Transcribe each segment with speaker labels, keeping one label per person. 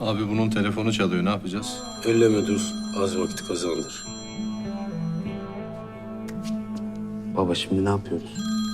Speaker 1: Abi bunun telefonu çalıyor, ne yapacağız?
Speaker 2: Elleme dur. Az vakit kazandır.
Speaker 3: Baba şimdi ne yapıyoruz?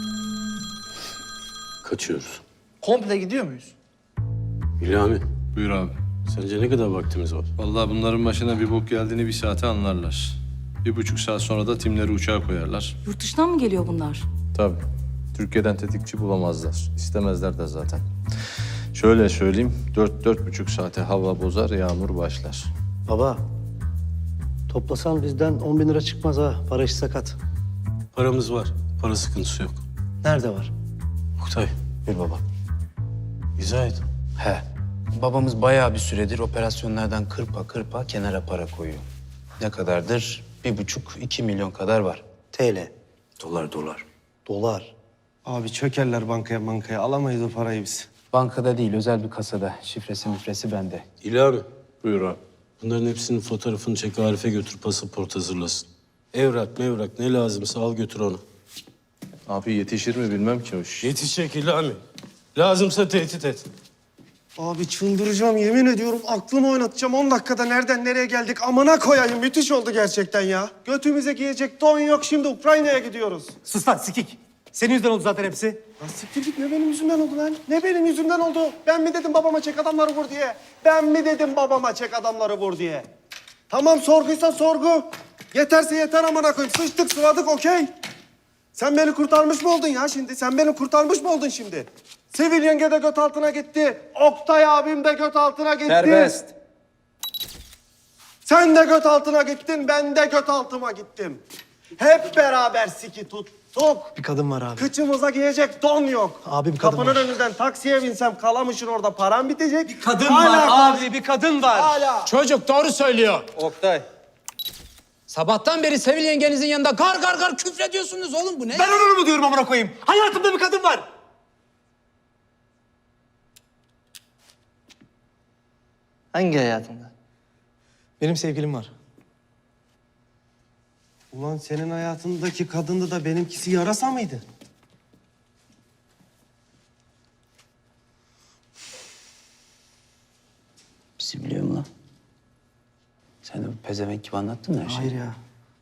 Speaker 2: Kaçıyoruz.
Speaker 4: Komple gidiyor muyuz?
Speaker 2: İlhami,
Speaker 1: Buyur abi.
Speaker 2: sence ne kadar vaktimiz var?
Speaker 1: Vallahi bunların başına bir bok geldiğini bir saate anlarlar. 1,5 saat sonra da timleri uçağa koyarlar.
Speaker 5: Yurt dışından mı geliyor bunlar?
Speaker 1: Tabii. Türkiye'den tetikçi bulamazlar. İstemezler de zaten. Şöyle söyleyeyim, 4-4,5 saate hava bozar, yağmur başlar.
Speaker 6: Baba, toplasan bizden 10 bin lira çıkmaz ha. Para işi sakat.
Speaker 2: Paramız var. Para sıkıntısı yok.
Speaker 6: Nerede var?
Speaker 2: Oktay,
Speaker 3: Bir baba.
Speaker 2: izah et.
Speaker 3: He. Babamız bayağı bir süredir operasyonlardan kırpa kırpa kenara para koyuyor. Ne kadardır? 1,5-2 milyon kadar var.
Speaker 6: TL.
Speaker 3: Dolar.
Speaker 6: Dolar.
Speaker 7: Abi çökerler bankaya alamayız o parayı biz.
Speaker 3: Bankada değil, özel bir kasada. Şifresi müfresi bende.
Speaker 2: İlhami,
Speaker 1: Buyur abi.
Speaker 2: bunların hepsinin fotoğrafını çek, Arif'e götür, pasaport hazırlasın. Evrak mevrak ne lazımsa al götür onu.
Speaker 1: Abi yetişir mi bilmem ki o iş.
Speaker 2: Yetişecek İlhami. Lazımsa tehdit et.
Speaker 7: Abi çıldıracağım yemin ediyorum aklımı oynatacağım. 10 dakikada nereden nereye geldik amına koyayım. Müthiş oldu gerçekten ya. Götümüze giyecek don yok, şimdi Ukrayna'ya gidiyoruz.
Speaker 6: Sus lan sikik. Senin yüzünden oldu zaten hepsi.
Speaker 7: Lan siktir git, ne benim yüzümden oldu lan? Ne benim yüzümden oldu? Ben mi dedim babama çek adamları vur diye? Ben mi dedim babama çek adamları vur diye? Tamam, sorguysa sorgu. Yeterse yeter amına koyayım. Sıçtık sıvadık okey. Sen beni kurtarmış mı oldun ya şimdi? Sen beni kurtarmış mı oldun şimdi? Sivil yenge de göt altına gitti. Oktay abim de göt altına gitti.
Speaker 4: Serbest.
Speaker 7: Sen de göt altına gittin, ben de göt altıma gittim. Hep beraber siki tuttuk.
Speaker 6: Bir kadın var abi.
Speaker 7: Kıçımıza giyecek don yok.
Speaker 6: Abi bir kadın
Speaker 7: Kapının
Speaker 6: var.
Speaker 7: önünden taksiye binsem Kalamış'ın orada param bitecek. Bir
Speaker 6: Kadın var abi, bir kadın var.
Speaker 7: Hala.
Speaker 8: Çocuk doğru söylüyor.
Speaker 4: Oktay.
Speaker 8: Sabahtan beri Sevil yengenizin yanında gar küfrediyorsunuz oğlum, bu ne?
Speaker 6: Ben onu mu diyorum amına koyayım? Hayatımda bir kadın var.
Speaker 4: Hangi hayatında?
Speaker 6: Benim sevgilim var.
Speaker 7: Ulan senin hayatındaki kadındı da benimkisi yarasa mıydı?
Speaker 3: Bizi biliyor mu lan? Sen de bu pezevenk gibi anlattın mı her şeyi?
Speaker 6: Hayır ya.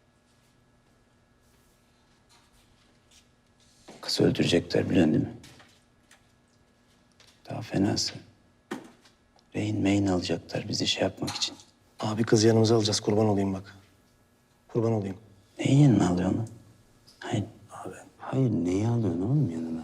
Speaker 3: Kızı öldürecekler biliyorsun değil mi? Daha fenası. Rehin mehin alacaklar bizi şey yapmak için.
Speaker 6: Abi kız yanımıza alacağız, kurban olayım bak. Kurban olayım.
Speaker 3: Neyi yanına alıyorsun lan? Hayır abi. Hayır neyi alıyorsun oğlum yanına?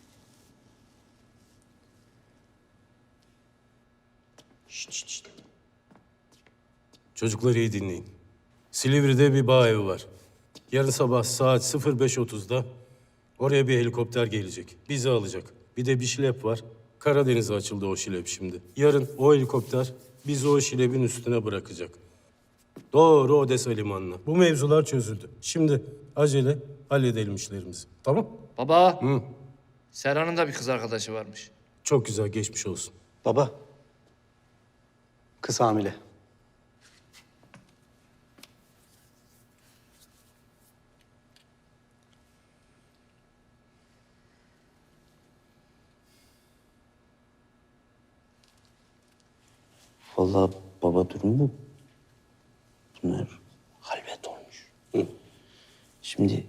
Speaker 2: Çocukları iyi dinleyin. Silivri'de bir bağ evi var. Yarın sabah saat 05.30'da oraya bir helikopter gelecek. Bizi alacak. Bir de bir şilep var. Karadeniz'e açıldı o şilep şimdi. Yarın o helikopter bizi o şilepin üstüne bırakacak. Doğru Odessa limanına. Bu mevzular çözüldü. Şimdi acele halledelim işlerimizi. Tamam?
Speaker 4: Baba. Serhan'ın da bir kız arkadaşı varmış.
Speaker 2: Çok güzel, geçmiş olsun.
Speaker 6: Baba. Kız hamile.
Speaker 3: Vallahi baba durum bu. Bunlar halvet olmuş. Şimdi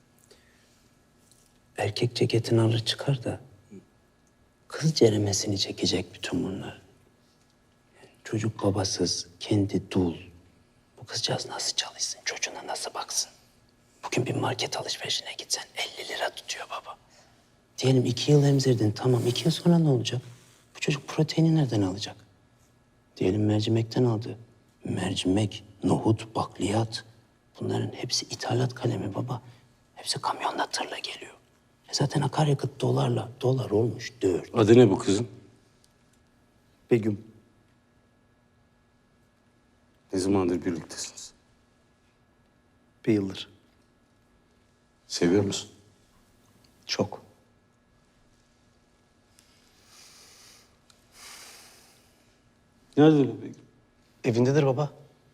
Speaker 3: erkek ceketini alır çıkar da kız ceremesini çekecek bütün bunlar. Yani çocuk babasız, kendi dul. Bu kızcağız nasıl çalışsın, çocuğuna nasıl baksın? Bugün bir market alışverişine gitsen 50 lira tutuyor baba. Diyelim 2 yıl emzirdin, tamam 2 yıl sonra ne olacak? Bu çocuk proteini nereden alacak? Diyelim mercimekten aldı. Mercimek, nohut, bakliyat. Bunların hepsi ithalat kalemi baba. Hepsi kamyonla tırla geliyor. Zaten akaryakıt dolarla. Dolar olmuş 4.
Speaker 2: Adı ne bu kızın?
Speaker 6: Begüm.
Speaker 2: Ne zamandır birliktesiniz?
Speaker 6: Bir yıldır.
Speaker 2: Seviyor musun?
Speaker 6: Çok.
Speaker 2: Nerede bu Begüm?
Speaker 6: Evindedir baba.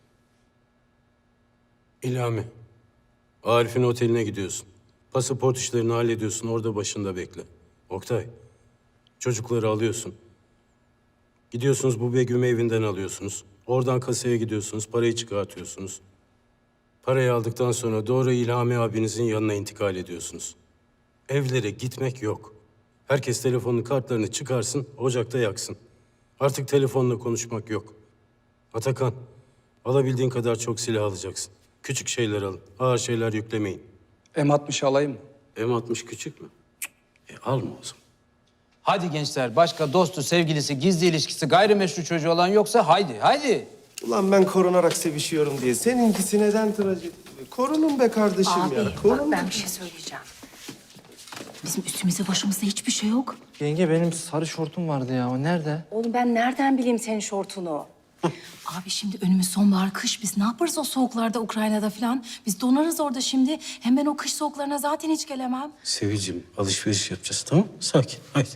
Speaker 2: İlhami. Arif'in oteline gidiyorsun. Pasaport işlerini hallediyorsun. Orada başında bekle. Oktay. Çocukları alıyorsun. Gidiyorsunuz bu Begüm'ü evinden alıyorsunuz. Oradan kasaya gidiyorsunuz, parayı çıkartıyorsunuz. Parayı aldıktan sonra doğru İlhami abinizin yanına intikal ediyorsunuz. Evlere gitmek yok. Herkes telefonun kartlarını çıkarsın, ocakta yaksın. Artık telefonla konuşmak yok. Atakan, alabildiğin kadar çok silah alacaksın. Küçük şeyler alın, ağır şeyler yüklemeyin.
Speaker 8: M60 alayım.
Speaker 2: M60 küçük mü? Alma o zaman.
Speaker 8: Hadi gençler, başka dostu, sevgilisi, gizli ilişkisi, gayrimeşru çocuğu olan yoksa haydi.
Speaker 7: Ulan ben korunarak sevişiyorum diye. Seninkisi neden trajedi? Korunun be kardeşim
Speaker 5: Abi
Speaker 7: ya.
Speaker 5: bak
Speaker 7: Korun.
Speaker 5: ben bir şey söyleyeceğim. Bizim üstümüzde başımızda hiçbir şey yok.
Speaker 4: Yenge benim sarı şortum vardı ya. O nerede?
Speaker 5: Oğlum ben nereden bileyim senin şortunu? Abi şimdi önümüz sonbahar, kış. Biz ne yaparız o soğuklarda Ukrayna'da falan? Biz donarız orada şimdi. Hem ben o kış soğuklarına zaten hiç gelemem.
Speaker 2: Sevicim, alışveriş yapacağız, tamam mı? Sakin, haydi.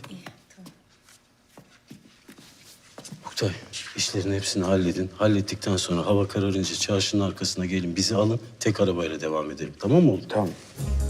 Speaker 2: Oktay, işlerin hepsini halledin. Hallettikten sonra hava kararınca çarşının arkasına gelin, bizi alın. Tek arabayla devam edelim, tamam mı oğlum?
Speaker 3: Tamam.